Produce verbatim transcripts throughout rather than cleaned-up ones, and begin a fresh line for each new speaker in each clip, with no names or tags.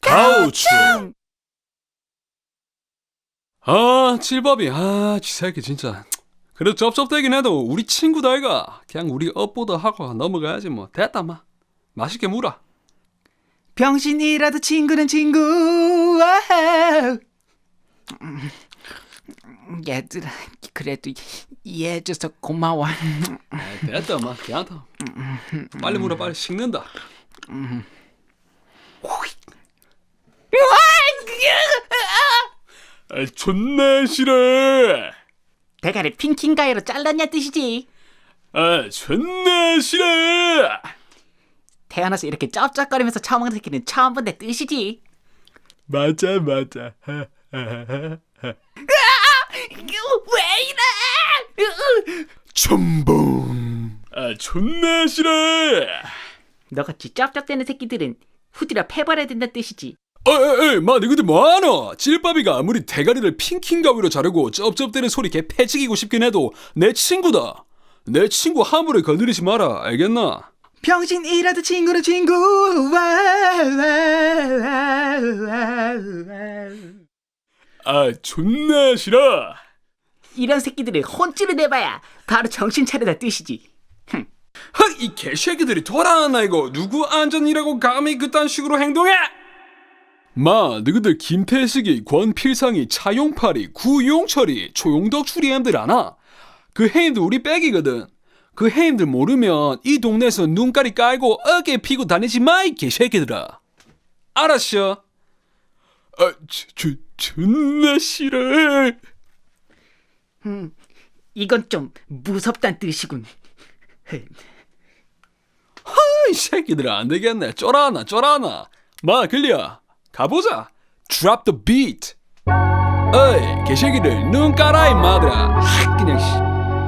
가오충. 아, 칠밥이, 아, 지 새끼 진짜. 그래도 쩝쩝대긴 해도 우리 친구다 이가. 그냥 우리 업보다 하고 넘어가야지 뭐. 됐다 마. 맛있게 물어.
병신이라도 친구는 친구. 와우. 음, 얘들아, 그래도 이해해줘서 고마워.
아, 됐다 마. 괜찮다. 빨리 물어, 빨리 식는다. 아, 존나 싫어.
대가리 핑킹가이로 잘랐냐 뜻이지.
아, 존나 싫어.
태어나서 이렇게 쩝쩝거리면서 처먹는 새끼는 처음 본데 뜻이지.
맞아, 맞아.
왜 이래?
첨봉. 아, 존나 싫어.
너같이 쩝쩝대는 새끼들은 후디라 패버려야 된다는 뜻이지.
어에에 마 너희들 뭐하노? 찔밥이가 아무리 대가리를 핑킹 가위로 자르고 쩝쩝대는 소리 개 패치기고 싶긴 해도 내 친구다. 내 친구 함부로 건드리지 마라. 알겠나?
병신이라도 친구는 친구.
아, 존나 싫어.
이런 새끼들은 혼쭐을 내봐야 바로 정신 차리다 뜻이지.
헉, 이 개새끼들이 돌아왔나 이거. 누구 안전이라고 감히 그딴 식으로 행동해? 마, 너희들 김태식이, 권필상이, 차용팔이, 구용철이, 초용덕출이 엠들 아나? 그 해임들 우리 백이거든. 그 해임들 모르면 이 동네에서 눈가리 깔고 어깨 피고 다니지 마, 이 개새끼들아. 알았어? 아, 저, 저, 존나 싫어.
음, 이건 좀 무섭단 뜻이군.
이 새끼들아 안 되겠네. 쫄아나 쫄아나. 마, 글리야 가보자. Drop the beat. 어이 개새끼들 눈 깔아 임마들아. 하, 그냥 씨.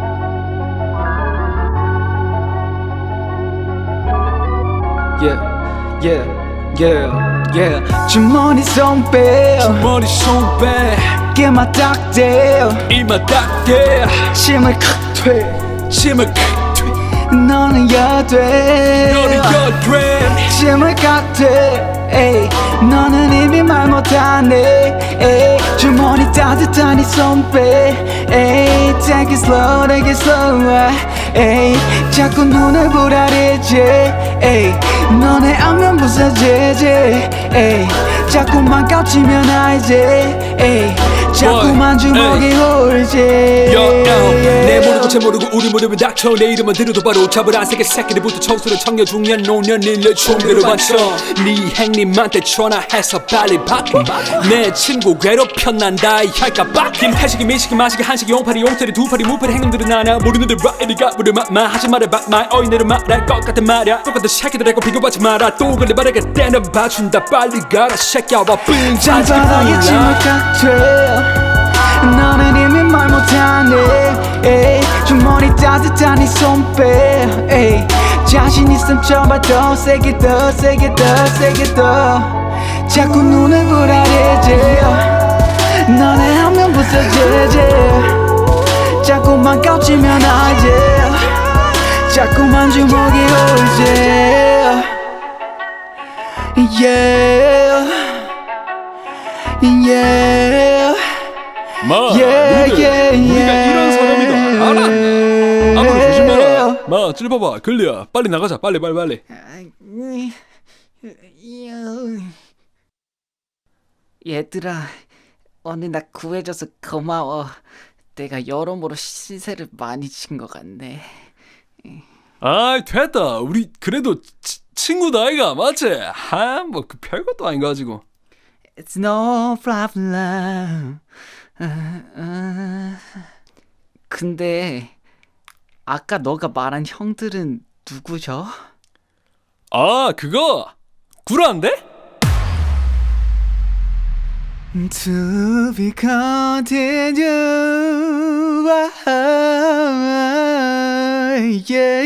Yeah, yeah, yeah, yeah. 주머니 손빼,
머리 손빼
깨마 딱대,
이마 닦게
침을 칵퇴,
침을 칵퇴
너는 여돼.
너는 여드레
침을 칵퇴, 에이, 너는 이미 말 못하네. 에이, 주머니 따뜻한 이 손빼, 에이, take it slow, take it slow. 에이, 자꾸 눈을 부라리지. 에이, 너네 안면 부서지지. 에이, 자꾸만 깝치면 알지. 에이, 자꾸만 주먹이 울지.
내 모르고 쟤 모르고 우리 무릎에 닥쳐. 내 이름만 들어도 바로 잡을 안 새끼 새끼들부터 청소를 청년 중년 노년 일년 총대로 받쳐. 네 행님한테 전화해서 빨리 바꿔. 내 친구 괴롭혔난다 할까봐. 김태식이 미식이 마식이 한식이 용팔이 용태리 두팔이 무팔이 행놈들은 나나 모르는데 라이리가 물을 막마 하지 말아봐 말 어인들은 말할 것 같은 말야. 똑같은 새끼들하고 비교받지 마라. 또 그래 말하게 때는 봐준다. 빨리 가라 새끼야 와 삥
장바닥에 침을 칵퇴. 너는 이미 말 못하네. 에이, 주머니 따뜻한 이 손빼. 에이, 자신 있음 쳐봐 더 세게 더 세게 더 세게 더. 자꾸 눈을 부라리지. 너네 하면 부서지지. 자꾸만 깝치면 알지. 자꾸만 주먹이 울지. Yeah, yeah.
마,
Yeah,
너희들
yeah,
우리가
yeah.
이런 사람이다 알았나? 아무로 조심해라. 마, 찔봐봐 글리야 빨리 나가자. 빨리 빨리 빨리.
얘들아, 오늘 나 구해줘서 고마워. 내가 여러모로 시세를 많이 진 것 같네.
아이 됐다. 우리 그래도 치, 친구다 아이가 맞지? 하, 뭐 그 별것도 아닌 거 가지고.
It's no problem. 아, 아. 근데 아까 너가 말한 형들은 누구죠?
아 그거 구라인데?
To be continued. Yeah.